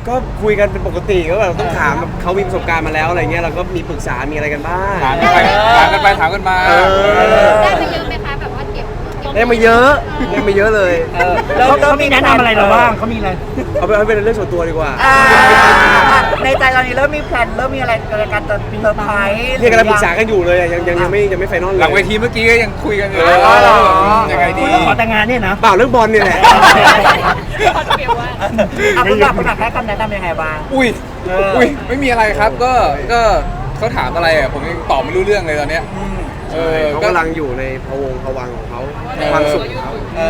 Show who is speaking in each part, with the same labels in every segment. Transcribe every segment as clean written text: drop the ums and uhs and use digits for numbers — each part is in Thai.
Speaker 1: ก็คุยกันเป็นปกติก็แบบต้องถามแบบเขามีประสบการณ์มาแล้วอะไรเงี้ยเราก็มีปรึกษามีอะไรกันบ้าง
Speaker 2: ถามกันไปถามกันมา
Speaker 3: ได้ไปเยอะไหมคะแบบว่าเก็บ
Speaker 1: ได้มาเยอะได้มาเยอะเลย
Speaker 4: แล้วเขามีแนะนำอะไรเราบ้างเขามีอะไร
Speaker 1: เอาเป็นเรื่องส่วนตัวดีกว่า
Speaker 4: ในใจตอนนี้เริ่มมีแพลนเริ่มมีอะไรในการจะเซอร์ไพรส์
Speaker 1: เรียกกันปรึกษากันอยู่เลยยังไม่ไฟนอลเลย
Speaker 2: หลังเวทีเมื่อกี้ก็ยังคุยกันอยู่เลย
Speaker 4: อ๋อเหรอ
Speaker 2: ยังไงดี
Speaker 4: คุณขอแต่งงานเนี่ยนะ
Speaker 1: เปล่าเรื่องบอลเนี่ยแหละ
Speaker 4: คุณหลักให้คำแนะนำยังไงบ้าง
Speaker 2: อุ้ยไม่มีอะไรครับก็เขาถามอะไรอ่ะผมยังตอบไม่รู้เรื่องเลยตอนเนี้ย
Speaker 1: เขากำลังอยู่ในพะวงพะวังของเขาความสุขของเขา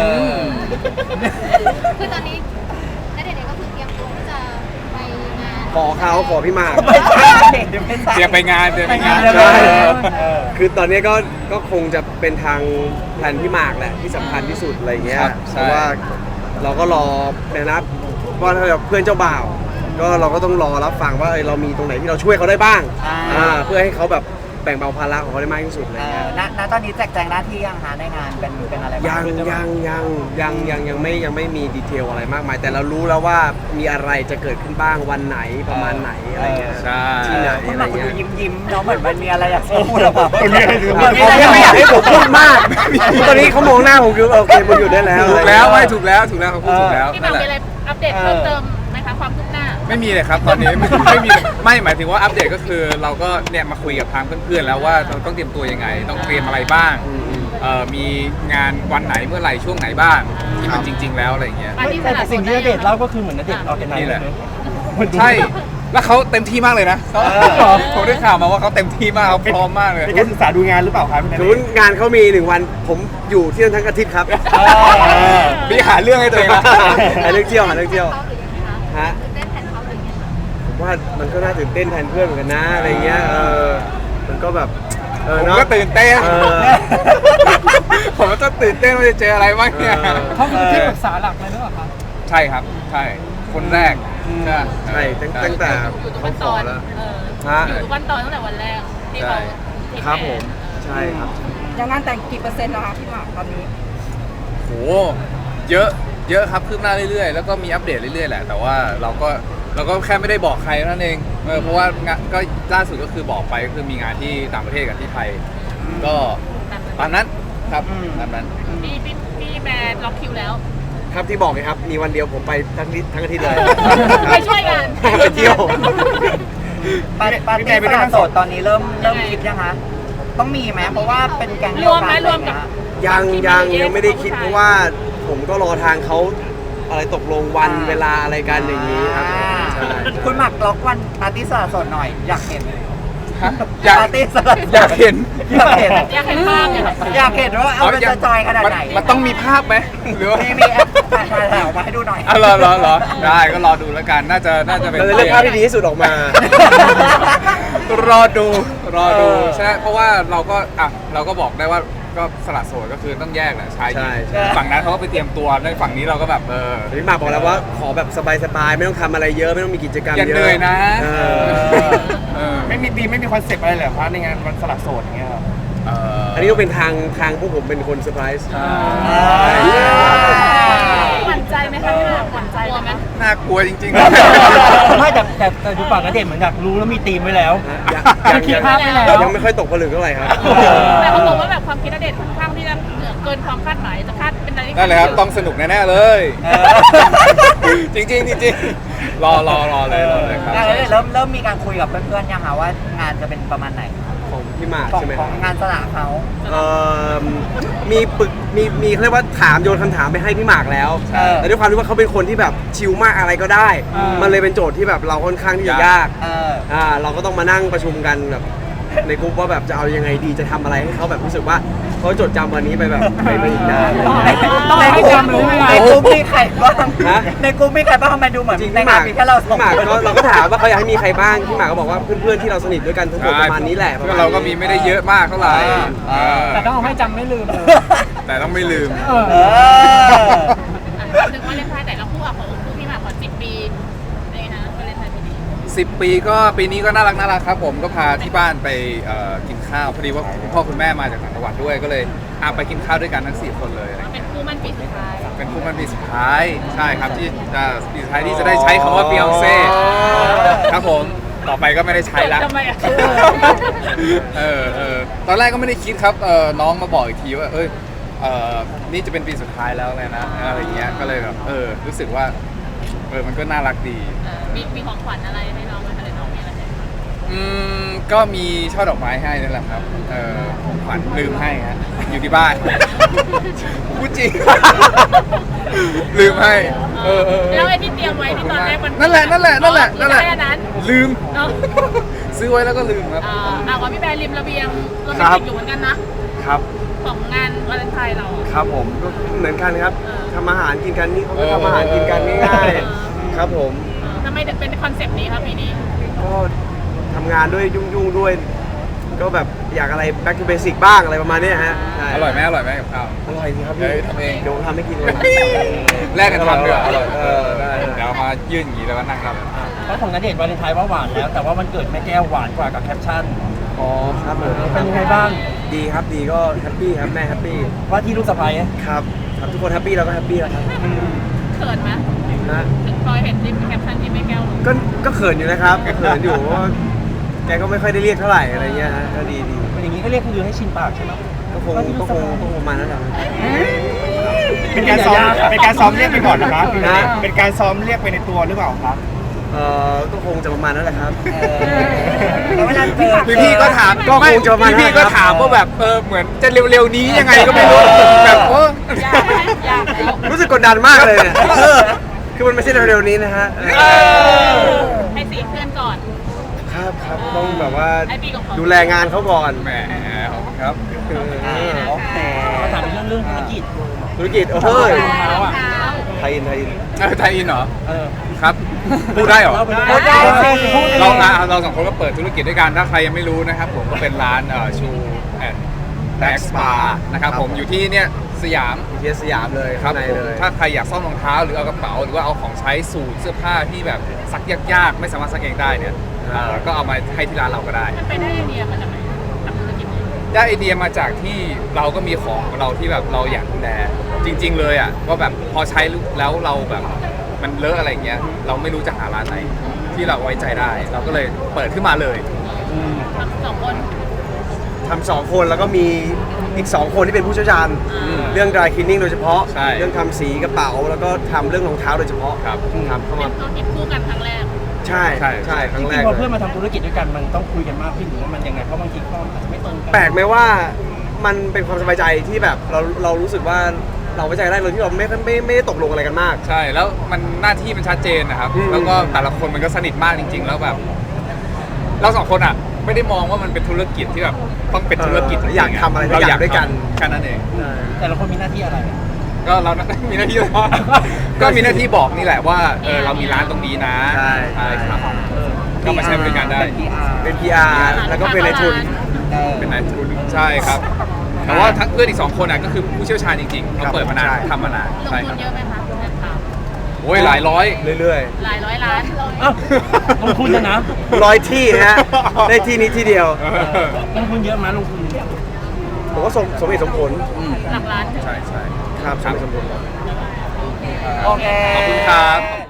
Speaker 3: คือตอนนี้ณเดชน์เองก็คือเตรียมตัวที่จะไปงาน
Speaker 1: ขอพี่หมาก
Speaker 4: ไม่ใช่เดี๋ยวไม่ใช่
Speaker 2: เตรียมไปงาน
Speaker 1: ใช่ คือตอนนี้ก็คงจะเป็นทางแผนพี่หมากแหละที่สำคัญที่สุดอะไรเงี้ย
Speaker 2: ครับ
Speaker 1: เพ
Speaker 2: ใช่
Speaker 1: ราะว่าเราก็รอในนัดว่าถ้าแบบเพื่อนเจ้าบ่าว ก็เราก็ต้องรอรับฟังว่าเรามีตรงไหนที่เราช่วยเขาได้บ้างเพื่อให้เขาแบบแบ่งเบาภาระของเขาได้มากที่สุดอะไรเงี้ย
Speaker 4: ณตอนนี้แจกแจงหน้าที่ยังหาในงานเป็นอะไรบ้าง
Speaker 1: ยังไม่มีดีเทลอะไรมากมาย แต่เรารู้แล้วว่ามีอะไรจะเกิดขึ้นบ้างวันไหนประมาณไหนอะไรเงี้ย
Speaker 2: ใช่
Speaker 1: ที่ไหน
Speaker 4: คุณ
Speaker 1: อะ
Speaker 4: ห
Speaker 1: ไร
Speaker 4: ลักคุณ
Speaker 1: เงี้
Speaker 4: ดู
Speaker 1: ย
Speaker 4: ยิ้มเนาะเหมือนมันมีอะไรอยากจะพูดหรือเปล่า
Speaker 1: เขาไม่อยากให้ผมพูดมาก ตอนนี้เขามองหน้าผมคือโอเคมันอยู่ได้แล้ว
Speaker 2: ถูกแล้วไม่ถูกแล้วเขาพูดถูกแล้ว
Speaker 3: พี่หมากมีอะไรอัปเดตเพิ่มเติมไหมคะความคืบหน้า
Speaker 2: ไม่มีเลยครับตอนนี้ไม่มีไม่หมายถึงว่าอัปเดตก็คือเราก็เนี่ยมาคุยกับทางเพื่อนๆแล้วว่าเราต้องเตรียมตัวยังไง ต้องเตรียมอะไรบ้างมีงานวันไหนเมื่อไหร่ช่วงไหนบ้างที่มันจริง ๆ แล้วอะไรอย่างเงี้ย
Speaker 4: แต่สิ่งที่ณเดชน์เล่าก็คือเหมือนณเดชน์ออกกันไหน
Speaker 2: นี่แหละ ใช่แล้วเขาเต็มที่มากเลยนะผมได้ข่าวมาว่าเขาเต็มที่มากเขาพร้อมมากเลย
Speaker 4: เป็นการศึกษาดูงานหรือเปล่าครับ
Speaker 1: สมมติงานเขามี1 วันผมอยู่ที่นั่นทั้งอาทิตย์ครับ
Speaker 2: พี่หาเรื่องให้ตัวเองนะ
Speaker 1: หาเรื่องเที่ยวฮะ
Speaker 3: เต้นแทนเขาหรือยังไงคะ
Speaker 1: ผมว่ามันก็น่าตื่นเต้นแทนเพื่อนเหมือนกันนะอะไรเงี้ยมันก็แบบ
Speaker 2: ผม
Speaker 1: เนาะ
Speaker 2: ก็ตื่นเต้น ผมก็ต้องตื่นเต้นว่าจะเจออะไรบ้างเนี่ย
Speaker 4: เขาคือที่ปรึกษาหลักเลยหรือเปล่าครับ
Speaker 2: ใช่ครับใช่คนแรก
Speaker 1: ใช่ตั้งแต่
Speaker 3: อยู่ทุก
Speaker 1: เขา
Speaker 3: ขั้น
Speaker 1: ข
Speaker 3: ต
Speaker 1: อ
Speaker 3: อน
Speaker 1: แล้ว
Speaker 3: อยู่ทุกขั้นตอนตั้งแต่วันแรกที่เขา
Speaker 1: ครับผมใช่ครับ
Speaker 5: ยังงานแต่งกี่เปอร์เซ็นต์แล้วคะพี่หมากตอนนี้
Speaker 2: โหเยอะครับคืบหน้าเรื่อยๆแล้วก็มีอัปเดตเรื่อยๆแหละแต่ว่าเราก็แค่ไม่ได้บอกใครนั่นเองเพราะว่างานก็ล่าสุดก็คือบอกไปก็คือมีงานที่ต่างประเทศกับที่ไทยก็ตามนั้นครับตามนั้น
Speaker 3: พี่แบร์ล็อกคิวแล้ว
Speaker 1: ครับที่บอกไงครับมีวันเดียวผมไปทั้งอาทิตย์เลย
Speaker 3: ไปช่วยงาน
Speaker 1: ไปเที่ยว
Speaker 4: ปาร์ตี้สละโสดตอนนี้เริ่มคิดยังคะต้องมีไหมเพราะว่าเป็นแก๊งเดียวกันอะไรอย่างเงี้ย
Speaker 1: ยังไม่ได้คิดเพราะว่าผมก็รอทางเขาอะไรตกลงวันเวลาอะไรกันอย่างนี้ครับใช่
Speaker 4: คุณหมักล็อกวันปาร์ตี้สละโสดหน่อยอยากเห็น
Speaker 2: อยาก
Speaker 4: ปาร์ตี้สละโสด
Speaker 2: อยากเห็น
Speaker 4: อยากเห็น
Speaker 3: อยากเห็นภาพเนี่ยค่ะ
Speaker 4: อยากเห็นว่าเอาเป็นจอยขนาดไหน
Speaker 2: มันต้องมีภาพไหมหรือว่า
Speaker 4: มีแอปถ่ายออกมาให้ดูหน่อย
Speaker 2: อ๋อเหรอได้ก็รอดูแล้วกันน่าจะเป็น
Speaker 1: เราจะเลือกภาพที่ดีที่สุดออกมา
Speaker 2: รอดูใช่เพราะว่าเราก็บอกได้ว่าก็สละโสดก็คือต้องแยกแหละชายหญิง
Speaker 1: ใช่
Speaker 2: ฝั่งนั้นเขาก็ไปเตรียมตัวในฝั่งนี้เราก็แบบ
Speaker 1: พี่หมากบอกแล้วว่าขอแบบสบายๆไม่ต้องทำอะไรเยอะไม่ต้องมีกิจกรรม
Speaker 2: อย่า
Speaker 1: เยอะ
Speaker 2: เหนื่อยนะ
Speaker 6: ไม่มีคอนเซปต์อะไรเลยเหรอคะในงานวันสละโสดอย่างเงี้ยครับ
Speaker 1: อันนี้ก็เป็นทางพวกผมเป็นคนเซอร์ไพรส์
Speaker 3: หวั่นใจไหมคะพี่หมากหวั่นใจไหม
Speaker 2: น่ากลัวจริง
Speaker 4: ไม่แต่ดูปากกระเด็นเหมือนอยากรู้แล้วมีธีมไว้แล้ว คิดภาพไว้แล้ว
Speaker 1: ยังไม่ค่อยตกผลึกเท่าไหร่ครับ
Speaker 3: แต่เขาบอกว่าแบบความคิดณเดชน์ค่อนข้างที่จะเหนือเกินความคาดหมายจะคาดเป็นอะไรที่
Speaker 2: ๆนั่นเลยครับต้องสนุกแน่ๆเลย จริงรอเลยครับ
Speaker 4: เริ่มมีการคุยกับเพื่อนๆยังคะว่างานจะเป็นประมาณไหน
Speaker 1: ของพี่หมาก
Speaker 4: ของ
Speaker 1: ใช่ไหม
Speaker 4: ของงานสละเขา
Speaker 1: มีเขาเรียกว่าถามโยนคำถามไปให้พี่หมากแล้ว แต่ด้วยความที่ว่าเขาเป็นคนที่แบบชิลมากอะไรก็ได้ มันเลยเป็นโจทย์ที่แบบเราค่อนข้างที่จะยาก เราก็ต้องมานั่งประชุมกันแบบในกลุ่มว่าแบบจะเอายังไงดีจะทำอะไรให้เขาแบบรู้สึกว่าเขาจดจำวันนี้ไปแบบไปอีกนาน
Speaker 4: ต้องให้จำรู้ไหมในกลุ่มมีใครบ้าง
Speaker 1: ฮะ
Speaker 4: ในกลุ่มมีใครบ้างทำไมดูเหมือน
Speaker 1: จริง
Speaker 4: ใน
Speaker 1: พี่ห
Speaker 4: งาม
Speaker 1: าน ก
Speaker 4: มีแค่เราสอง
Speaker 1: พี่หมาก
Speaker 4: คน
Speaker 1: ก็เราก็ถามว่าเขาอยากให้มีใครบ้างพี่หมากก็บอกว่าเพื่อนๆที่เราสนิทด้วยกันทั้งหมดประมาณนี้แหละประมาณ
Speaker 2: เราก็มีไม่ได้เยอะมากเท่าไหร่
Speaker 4: แต่ต้องให้จำไม่ลืม
Speaker 2: แต่ต้องไม่ลืม
Speaker 3: ถึงวาเลนไทน์แต่ละคู่อ่ะของคู่พี่หมากขอ10 ปีอะไรนะวาเลนไทน์ปีนี้
Speaker 2: 10 ปีก็ปีนี้ก็น่ารักครับผมก็พาที่บ้านไปกินข้าวพอดีว่าคุณพ่อคุณแม่มาจากต่างจังหวัดด้วยก็เลยไปกินข้าวด้วยกันทั้ง4 คนเลย
Speaker 3: เป็นคู่มั่นปีสุดท้าย
Speaker 2: เป็นคู่มันปีสุดท้ายใช่ครับที่จะปีสุดท้ายที่จะได้ใช้คำว่า Beyonce ครับผมต่อไปก็ไม่ได้ใช้แล้ว
Speaker 3: ทำไมอะ
Speaker 2: ตอนแรกก็ไม่ได้คิดครับน้องมาบอกอีกทีว่านี่จะเป็นปีสุดท้ายแล้วเลยนะอะไรเงี้ยก็เลยแบบรู้สึกว่ามันก็น่ารักดี
Speaker 3: มีของขวัญอะไรให้น้องไหมคะหรือน้องมีอะไรให้
Speaker 2: ก็มีช่อดอกไม้ให้นั่นแหละครับของขวัญลืมให้ฮะอยู่ที่บ้านพูดจริง ลืมให้
Speaker 3: แล้วไอ้ที่เตรียมไว้ที่ตอนแรกมัน
Speaker 2: นั่นแหละ
Speaker 3: ที่ได้อันนั้น
Speaker 2: ลืม
Speaker 3: เนาะ
Speaker 2: ซื้อไว้แล้วก็ลืมครับ
Speaker 3: ว่าพี่แบร์ริมระเบียงโรแมนติกอยู่เหมือนกันนะครับ ของงานวาเลนไทน์เรา
Speaker 1: ครับผมก็เหมือนกันครับ
Speaker 3: เออ
Speaker 1: ทำอาหารกินกันนี่เขาก็ทำอาหารกินกันง่ายๆครับผม
Speaker 3: ทำไมถึงเป็นคอนเซปต์นี้ครับปีนี้
Speaker 1: ก็ทำงานด้วยยุ่งๆด้วย ก็แบบอยากอะไร back to basic บ้างอะไรประมาณเนี้ยฮะใช่
Speaker 2: อร่อยไหมกับข้าว
Speaker 1: อร่อยสิครับ
Speaker 2: เฮ้
Speaker 1: พี่
Speaker 2: ยทำเอง
Speaker 1: เดี๋ยวผมทำให้กินเลย
Speaker 2: แลกกันทำด้วยอร่อย
Speaker 1: ได้
Speaker 2: เดี๋ยวมายื่นอย่างนี้แล้วก็นั่งรับ
Speaker 4: เพราะของณเดชน์วาเลนไทน์ว่าหวานแล้ว แต่ว่ามันเกิดแม่แก้วหวานกว่ากับแคปชั่น
Speaker 1: อ๋อครับผม
Speaker 4: เป็นยังไงบ้าง
Speaker 1: ดีครับดีก็แฮปปี้ครับแม่แฮปปี้
Speaker 4: ว่าที่ลูกสะใภ้
Speaker 1: ครับครับทุกคนแฮปปี้เราก็แฮปปี้แล้วครับ
Speaker 3: เขินไหม
Speaker 1: นะ
Speaker 3: ถึงพลอยเห็นริมแคปชั่นที่ไม่แก้วลง
Speaker 1: ก็เขินอยู่นะครับก็เขินอยู่เพราะว่าแกก็ไม่ค่อยได้เรียกเท่าไหร่อะไรเงี้ยฮะก็ดี
Speaker 4: เป็นอย่างนี้ก็เรียกคุณยูให้ชินปากใช่ไหม
Speaker 1: ก็คงประมาณนั้นแหละ
Speaker 6: เป็นการซ้อมเรียกไปก่อนนะครับเป็นการซ้อมเรียกไปในตัวหรือเปล่าครับ
Speaker 1: ก็คงจะประมาณนั้นแหละครับ
Speaker 4: แล้วเวลาเจอ
Speaker 2: พี่ก็ถาม
Speaker 1: ก็คงจะประมาณนั้น
Speaker 2: พี่ก็ถามว่าแบบเหมือนจะเร็วๆนี้ยังไงก็ไม่รู้แบบ
Speaker 3: อยากไหมอยากแล้ว
Speaker 1: รู้สึกกดดันมากเลยเนี่ยคือมันไม่ใช่เร็วๆนี้นะฮะ
Speaker 3: ให้สีเพื่อนก่อน
Speaker 1: ครับต้องแบบว่า
Speaker 3: ไอ้ปีของเขา
Speaker 1: ดูแลงานเขาก่อน
Speaker 2: แหมขอบคุณครับ
Speaker 4: โอเคมาถามเรื่องธุรกิจ
Speaker 1: ธุรกิจเฮ้ย
Speaker 3: รองเท้า
Speaker 1: ไทยอิน
Speaker 2: ไทยอินเหรอ
Speaker 4: เออ
Speaker 2: ครับพูดได้เหรอ
Speaker 4: ได้สิ
Speaker 2: เราสองคนก็เปิดธุรกิจด้วยกันถ้าใครยังไม่รู้นะครับผมก็เป็นร้านชูแอนด์แบ็กสปานะครับผมอยู่ที่เนี่ยสยาม
Speaker 1: เทียสยามเลย
Speaker 2: ครั
Speaker 1: ข้า
Speaker 2: บ
Speaker 1: งใน
Speaker 2: ผม
Speaker 1: เลย
Speaker 2: ถ้าใครอยากซ่อมรองเท้าหรือเอากระเป๋าหรือว่าเอาของใช้สูทเสื้อผ้าที่แบบซักยากๆไม่สามารถซักเองได้เนี่ยก็เอามาให้ที่ร้านเราก็ได้
Speaker 3: มันไปได้ไอเดียมาจากไหนทำธุรกิจนี้
Speaker 2: ได้ไอเดียมาจากที่เราก็มีของเราที่แบบเราอยากดูแลจริง ๆ เลยอ่ะว่าแบบพอใช้แล้วเราแบบมันเลอะอะไรอย่างเงี้ยเราไม่รู้จะหาร้านไหนที่เราไว้ใจได้ เราก็เลยเปิดขึ้นมาเลย
Speaker 3: ทำสองคน
Speaker 1: ทำ2 คนแล้วก็มีอีก 2 คนที่เป็นผู้เชี่ยวชาญเรื่อง dry cleaning โดยเฉพาะ
Speaker 2: ใช่
Speaker 1: เรื่องทำสีกระเป๋าแล้วก็ทำเรื่องรองเท้าโดยเฉพาะ
Speaker 2: ครับ
Speaker 1: ครับเข้า
Speaker 3: เป็
Speaker 1: มาน
Speaker 3: ธุรกิจคู่กันครั้งแรก
Speaker 1: ใช่
Speaker 2: ใช่
Speaker 1: ใช่ค
Speaker 4: จ
Speaker 1: รั้งแร
Speaker 4: ริง
Speaker 1: ก
Speaker 4: ๆพอ
Speaker 1: เล
Speaker 4: เพื่อย นมาทำธุรกิจด้วยกันมันต้องคุยกันมากขึ้นหรือว่ามันยังไงเพราะบางทีข้ออาจจะไม่ตรงกัน
Speaker 1: แปลกไหมว่ามันเป็นความสบายใจที่แบบเรารู้สึกว่าเราไว้ใจได้เลยที่เราไม่ได้ตกลงอะไรกันมาก
Speaker 2: ใช่แล้วมันหน้าที่มันชัดเจนนะครับ
Speaker 1: อืม
Speaker 2: แล้วก็แต่ละคนมันก็สนิทมากจริง ๆ แล้วแบบเราสองคนอ่ะไม่ได้มองว่ามันเป็นธุรกิจที่แบบต้องเป็นธุรกิจจริงๆ
Speaker 1: อยากทำอะไรก็
Speaker 2: เรา
Speaker 1: อยากด้วยกัน
Speaker 2: แค่นั้นเอง
Speaker 4: แต่ละคนมีหน้าที่อะไร
Speaker 2: ก็เรา มีหน้าที่ ก็มีหน้าที่บอกนี่แหละว่าเรามีร้านตรงนี้นะ
Speaker 1: ใช่
Speaker 2: ครับก็มาใช้บริการได้
Speaker 1: เป็น PR แล้วก็เป็นในทุน
Speaker 2: เป็นนายทุนใช่ครับ แต่ว่าทั้งเพื่อนอีก2คนอ่ะก็คือผู้เชี่ยวชาญจริงๆเขาเปิดมานาน
Speaker 1: ใช่
Speaker 2: ทำมานาน
Speaker 3: ลง
Speaker 2: ใช่
Speaker 3: ทุ
Speaker 2: คน รับ
Speaker 3: เยอะไหมคะเงินเขา
Speaker 2: โอ้ยหลายร้อย
Speaker 1: เรื่อย
Speaker 3: หลายร้อยล้าน
Speaker 4: อ้าวลงทุนจะนะ
Speaker 1: ๆ100 ที่นะฮะได้ที่นี้ที่เดียว
Speaker 4: ลงทุนเยอะไหมลงทุน
Speaker 1: ผมว่าสมเหตุสมผล
Speaker 3: หลักล้าน
Speaker 2: ใช่ใช่
Speaker 1: ครับสมเหตุสมผล
Speaker 4: โอเค
Speaker 2: ขอบคุณครับ